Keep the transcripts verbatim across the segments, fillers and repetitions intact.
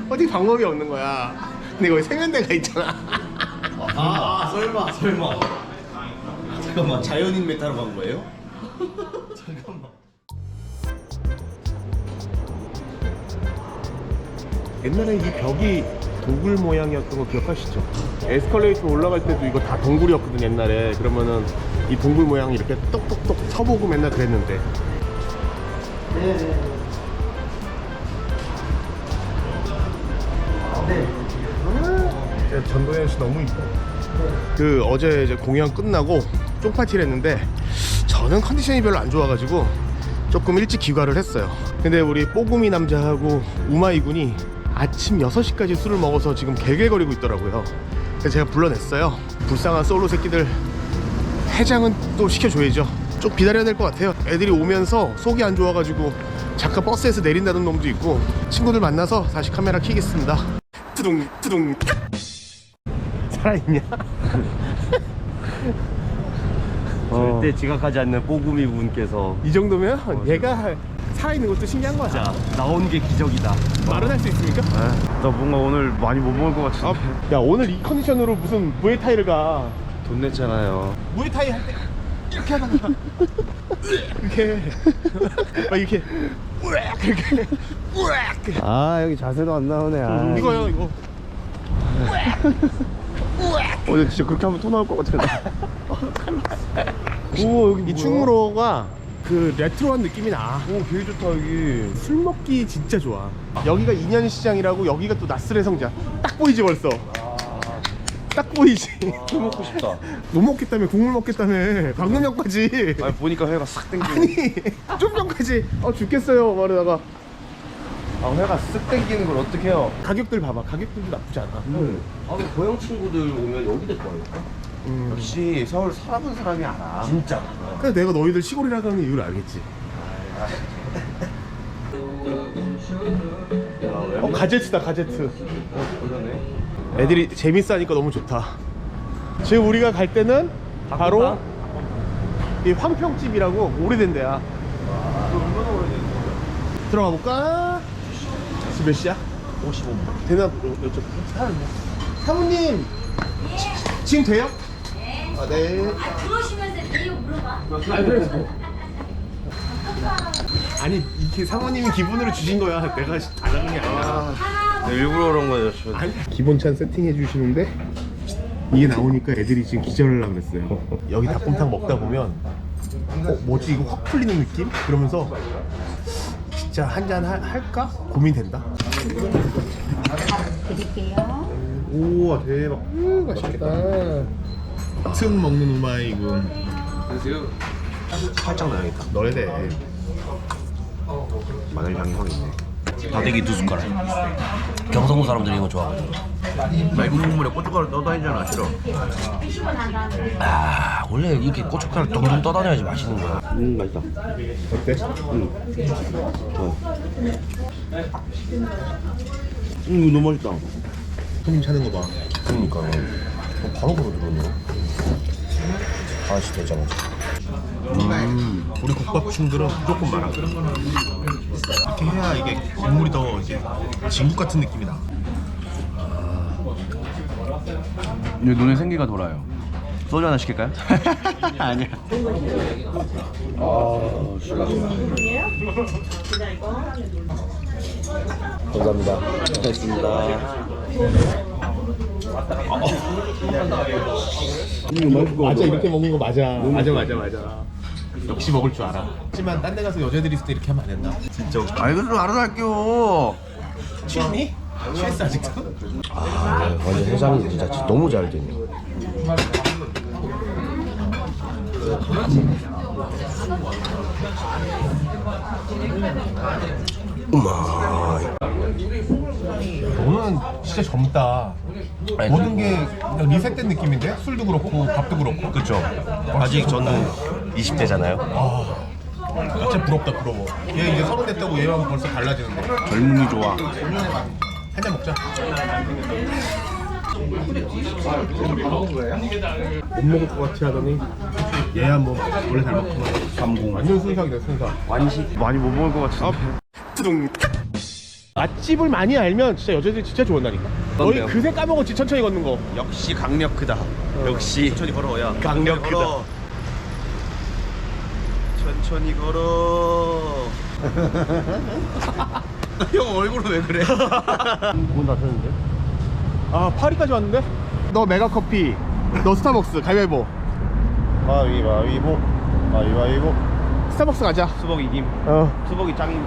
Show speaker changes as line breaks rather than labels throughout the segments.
어떻게 방법이 없는 거야. 근데 거기 세면대가 있잖아.
아, 아 설마 설마 잠깐만 자연인 메타로 간 거예요? 잠깐만.
옛날에 이 벽이 동굴 모양이었던 거 기억하시죠? 에스컬레이터 올라갈 때도 이거 다 동굴이었거든 옛날에. 그러면은 이 동굴 모양이 이렇게 똑똑똑 서보고 맨날 그랬는데.
네네.
네. 전도연 씨 너무 이뻐. 그 어제 이제 공연 끝나고 쫑파티를 했는데 저는 컨디션이 별로 안 좋아가지고 조금 일찍 귀가를 했어요. 근데 우리 뽀구미 남자하고 우마이 군이 아침 여섯 시까지 술을 먹어서 지금 개gel거리고 있더라고요. 그래서 제가 불러냈어요. 불쌍한 솔로 새끼들 해장은 또 시켜줘야죠. 좀 기다려야 될 것 같아요. 애들이 오면서 속이 안 좋아가지고 잠깐 버스에서 내린다는 놈도 있고 친구들 만나서 다시 카메라 켜겠습니다. 투둥 투둥. 살아있냐?
절대 지각하지 않는 뽀구미 분께서
이 정도면 어, 얘가 살아있는 것도 신기한 거야.
진짜 나온 게 기적이다.
말은 할 수 있습니까?
나 뭔가 오늘 많이 못 먹을 것 같은데.
아, 야 오늘 이 컨디션으로 무슨 무에타이를 가.
돈 냈잖아요.
무에타이 할 때 이렇게 하다가 이렇게 막 이렇게 이렇게
아 여기 자세도 안 나오네. 아.
이거요 이거.
어 진짜 그렇게 하면 토 나올 것 같아. 오 여기
이
뭐야?
충무로가 그 레트로한 느낌이 나.
오 되게 좋다 여기.
술 먹기 진짜 좋아. 여기가 인현시장이라고. 여기가 또 나스레 성자. 딱 보이지 벌써. 딱 보이지.
술 먹고 싶다.
못 먹겠다며. 국물 먹겠다며. 방금 전까지.
아니 보니까 회가 싹 땡기네.
아니 좀 전까지 어 죽겠어요 말하다가.
아 회가 쓱 땡기는 걸 어떻게 해요?
가격들 봐봐. 가격들도 나쁘지 않아.
음. 아 근데 고향 친구들 오면 여기 데리고 와야겠다.
음.
역시 서울 살아본 사람이 알아. 진짜.
그래서 내가 너희들 시골이라고 하는 이유를 알겠지. 어 가제트다 가제트.
그러네.
애들이 재밌어 하니까 너무 좋다. 지금 우리가 갈 때는 바로 이 황평집이라고 오래된 데야. 들어가 볼까? 지금 몇 시야?
오십오 분.
되나 여쭤볼게. 사모님 지- 지금 돼요? 아 네.
아, 들어오시면서 내용 물어봐.
아 그래. 아니 이게 사모님이 기본으로 주신 거야. 내가 다 잡은 게 아니라.
네, 일부러 그런 거예요. 저.
아니, 기본찬 세팅해 주시는데 이게 나오니까 애들이 지금 기절을 하려고 그랬어요. 여기 닭곰탕 먹다 보면 어, 뭐지 이거 확 풀리는 느낌? 그러면서 진짜 한잔 할까? 고민된다.
드릴게요.
우와 대박. 음, 맛있겠다. 틈 먹는 우마이군.
살짝 넣어야겠다.
넣어야 돼.
마늘 향이 확 있네.
다대기 두 숟가락. 경상도 사람들이 이거 좋아하거든.
맑은 국물에 고춧가루 떠다니잖아. 싫어.
아 원래 이렇게 고춧가루 둥둥 떠다녀야지 맛있는 거야.
음 맛있다.
어때?
음. 어. 음 이거 너무 맛있다.
손님 찾는 거 봐.
그러니까 바로 바로 들어오네. 아씨 되잖아.
음, 우리 국밥충들은 무조건 말아. 이렇게 해야 이게 국물이 더 이제 진국 같은 느낌이 나.
이제 눈에 생기가 돌아요. 소주 하나 시킬까요? 아니야. 아,
감사합니다.
고맙습니다. 음, 맛있고.
맞아 이렇게 먹는 거 맞아. 맞아 맞아 맞아. 역시 먹을 줄 알아. 하지만 딴 데 가서 여자들이 있을 때 이렇게 하면 안 된다.
진짜. 아 이거 좀 알아서 할게요.
취했니? 취했어 아직도?
아 완전 해장이 진짜 너무 잘 되네. 우마.
너는 진짜 젊다. 모든 게 그냥 리셋된 느낌인데? 술도 그렇고 밥도 그렇고.
그렇죠. 아직 저는 이십 대잖아요.
아, 진짜 부럽다 부러워. 얘 이제 서른 됐다고 얘랑 벌써 달라지는데.
젊음이 좋아.
한 잔 먹자. 못 먹을 것 같이 하더니 얘야 뭐 원래 잘 먹구만.
삼공.
완전 순삭이다 순삭.
완식. 많이 못 먹을 것 같은데.
뚜둥 맛집을 많이 알면 진짜 여자들이 진짜 좋아한다니까. 너희
그럼요.
그새 까먹었지, 천천히 걷는 거.
역시 강력 크다. 역시 천천히 걸어야
강력
걸어. 천천히 걸어. 형 얼굴은 왜 그래?
문 닫혔는데?
아, 파리까지 왔는데? 너 메가커피, 너 스타벅스, 가위바위보.
가위바위보. 가위바위보.
스타벅스 가자.
수복 이김.
어.
수복이 짱임.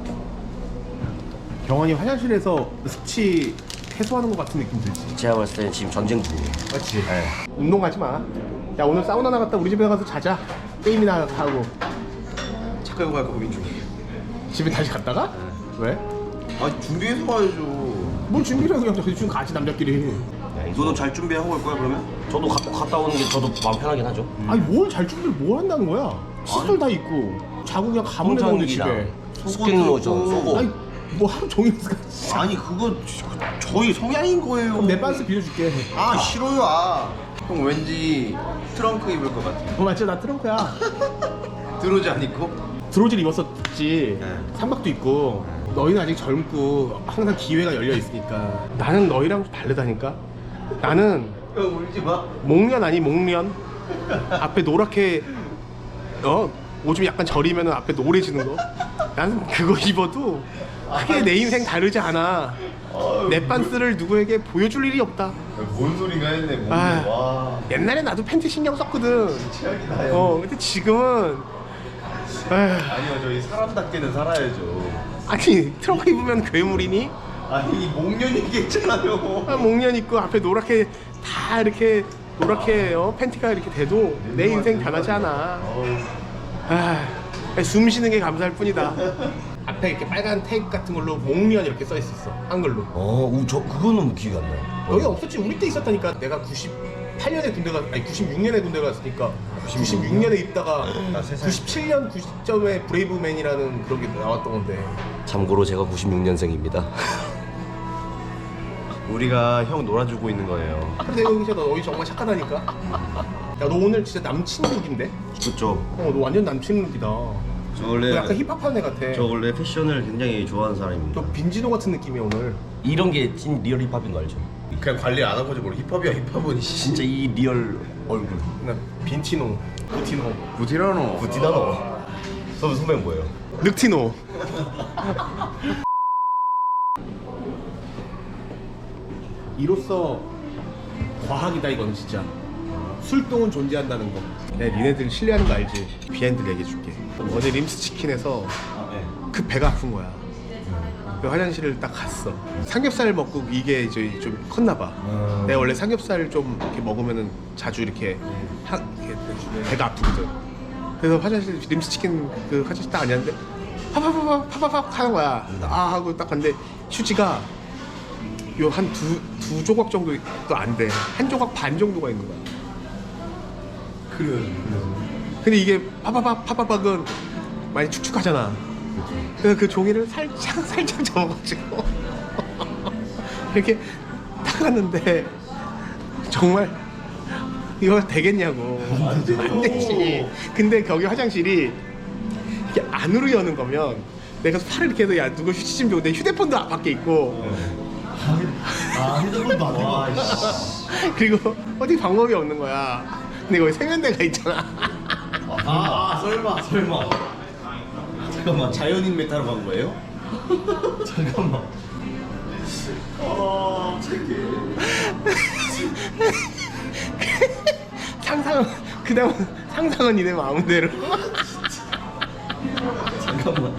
경환이 화장실에서 숙취 해소하는 것 같은 느낌 들지?
제가 봤을 때는 지금 전쟁 중이에요.
그렇지. 운동 가지 마. 야, 오늘 사우나 나갔다 우리 집에 가서 자자. 게임이나 하고.
차 끌고 갈까 고민 중이에요.
집에 다시 갔다가? 왜?
아 준비해서 가야죠.
뭘 준비를 해서 그냥 대충 같이 남자끼리.
너는 잘 준비하고 갈 거야 그러면?
저도 가, 갔다 오는 게 저도 마음 편하긴 하죠.
아니 뭘 잘 준비를 뭘 한다는 거야? 시설 다 있고 자고 그냥 가면 되는 건데 집에.
스킨 로션, 속옷.
아니 뭐 하루 종일 있을까?
아니 그거 저희 성향인 거예요.
그럼 내 반스 빌려줄게.
아 싫어요. 아. 형 왠지 트렁크 입을 것 같아.
어 맞지, 나 트렁크야.
들어오지 안 입고?
드로즈를 입었었지.
네.
삼박도 있고. 너희는 아직 젊고 항상 기회가 열려 있으니까. 나는 너희랑 좀 다르다니까. 나는
형 울지 마.
목련 아니 목련. 앞에 노랗게 어 오줌이 약간 저리면은 앞에 노래지는 거. 나는 그거 입어도 크게 내 인생 다르지 않아. 내 반스를 누구에게 보여줄 일이 없다.
뭔 소리가 했네. 뭔
아,
와.
옛날에 나도 팬티 신경 썼거든.
최악이다. 형.
어 근데 지금은 에휴,
아니요 저희 사람답게는 살아야죠.
아니 트렁크 입으면 괴물이니?
아니 목련 얘기했잖아요.
아, 목련 입고 앞에 노랗게 다 이렇게 노랗게 어, 팬티가 이렇게 돼도 내 인생 변하지 않아. 아, 숨 쉬는 게 감사할 뿐이다. 앞에 이렇게 빨간 테이프 같은 걸로 목련 이렇게 써 있었어, 한글로.
어, 우, 저 그거는 기억이 안 나요.
여기 없었지. 우리 때 있었다니까. 내가 구십팔 년에 군대 가 아니 구십육 년에 군대 갔으니까 구십육 년에 있다가 구십칠 년 구 시점에 브레이브맨이라는 그런 게 나왔던 건데.
참고로 제가 구십육 년생입니다.
우리가 형 놀아주고 있는 거예요.
근데 여기 진짜 너희 정말 착하다니까. 야, 너 오늘 진짜 남친 룩인데?
그렇죠.
어, 너 완전 남친 룩이다.
저
너
원래
약간 힙합한 애 같아.
저 원래 패션을 굉장히 좋아하는 사람입니다.
너 빈지노 같은 느낌이야 오늘.
이런 게 찐 리얼 힙합인 거 알죠?
그냥 관리 안 하고 모르 힙합이야 힙합은
진짜 이 리얼 얼굴.
나 빈티노, 부티노,
부티라노.
부티나노. 선배 선배는 뭐예요?
늑티노. 이로써 과학이다 이건 진짜. 술동은 존재한다는 거. 내가 니네들 신뢰하는 거 알지? 비하인드 얘기해줄게. 어제 림스치킨에서 그 배가 아픈 거야. 그 화장실을 딱 갔어. 삼겹살 먹고 이게 이제 좀 컸나 봐. 내가 원래 삼겹살 좀 이렇게 먹으면은 자주 이렇게, 하, 이렇게 배가 아프거든. 그래서 화장실 림스치킨 그 화장실 딱 앉았는데 파파파파 파파파 하는 거야. 아 하고 딱 갔는데 휴지가 요 한 두 두 조각 정도도 안 돼. 한 조각 반 정도가 있는 거야.
그래.
근데 이게 파파파 파파박은 많이 축축하잖아. 그래서 그 종이를 살짝 살짝 접어가지고 이렇게 딱 갔는데 정말 이거 되겠냐고. 안 되지. 근데 거기 화장실이 이게 안으로 여는 거면 내가 팔을 이렇게 해서 야 누구 휴지 좀 줘. 내 휴대폰도 밖에 있고.
아 핸드폰도 안 와.
그리고 어디 방법이 없는 거야. 근데 거기 세면대가 있잖아.
아, 아 설마 설마. 잠깐만.
자연인 메타로 간 거예요?
잠깐만.
어, 착해.
상상은 그다음 상상은 니네 마음대로.
잠깐만.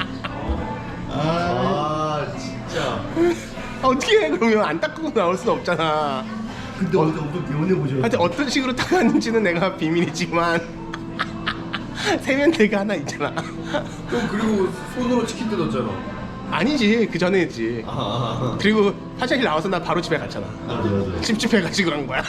아, 진짜.
어떻게 해 그러면 안 닦고 나올 수는 없잖아.
근데 어제 엄청 개운해 보죠.
하여튼 어떤 식으로 닦았는지는 내가 비밀이지만 세면대가 하나 있잖아.
형 그리고 손으로 치킨 뜯었잖아.
아니지, 그 전에지.
아,
그리고 화장실 나와서 나 바로 집에 갔잖아.
맞아 맞아.
찝찝해가지고 간 거야.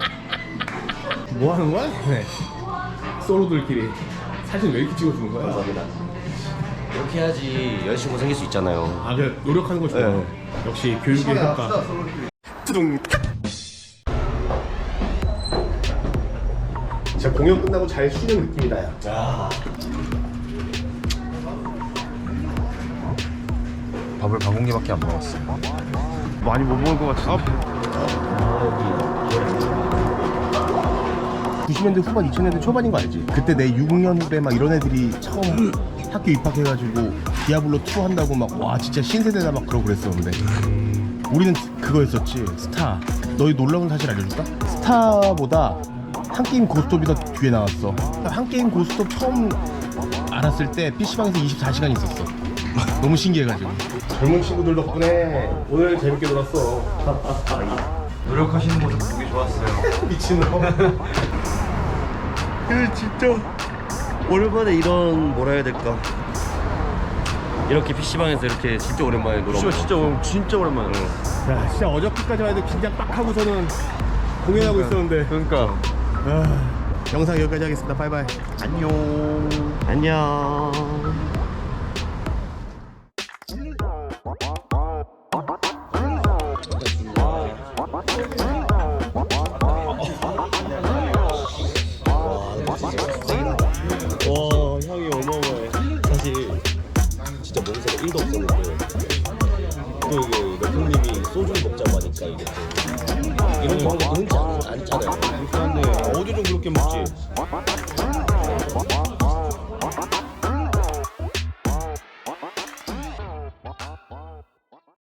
뭐 하는 거야? 네. 솔로들끼리 사진 왜 이렇게 찍어주는 거야?
감사합니다. 이렇게 해야지 여자친구 생길 수 있잖아요.
아, 그래 노력하는 거 좋아.
네.
역시 교육의 효과. 뚜둥. 진짜 공연 끝나고 잘 쉬는 느낌이다, 야.
야.
밥을 반 공기밖에 안 먹었어. 많이 못 먹을 것 같은데.
구십 년대 후반 이천 년대 초반인 거 알지? 그때 내 육 년 후배 막 이런 애들이 처음 학교 입학해가지고 디아블로 투 한다고 막 와 진짜 신세대다 막 그러고 그랬었는데 우리는 그거였었지. 스타. 너희 놀라운 사실 알려줄까? 스타보다 한게임 고스톱이 더 뒤에 나왔어. 한게임 고스톱 처음 알았을 때 피시방에서 이십사 시간 있었어. 너무 신기해가지고. 젊은 친구들 덕분에 오늘 재밌게 놀았어.
노력하시는 모습 보기 좋았어요.
미친놈.
그 진짜 오랜만에 이런 뭐라 해야 될까 이렇게 피시방에서 이렇게 진짜 오랜만에 놀아.
진짜 진짜 진짜 오랜만에.
야 진짜 어저께까지만 해도 긴장 빡 하고서는 공연하고 있었는데.
그러니까.
아, 영상 여기까지 하겠습니다. 바이바이.
안녕. 안녕. 와 향이 어마어마해. 사실 진짜 먹을 일도 없었는데 또 이게 레프님이 소주를 먹자고 하니까 이게 또 이런 거 흔치 않- 않잖아요.
근데 어디 좀 그렇게 먹지?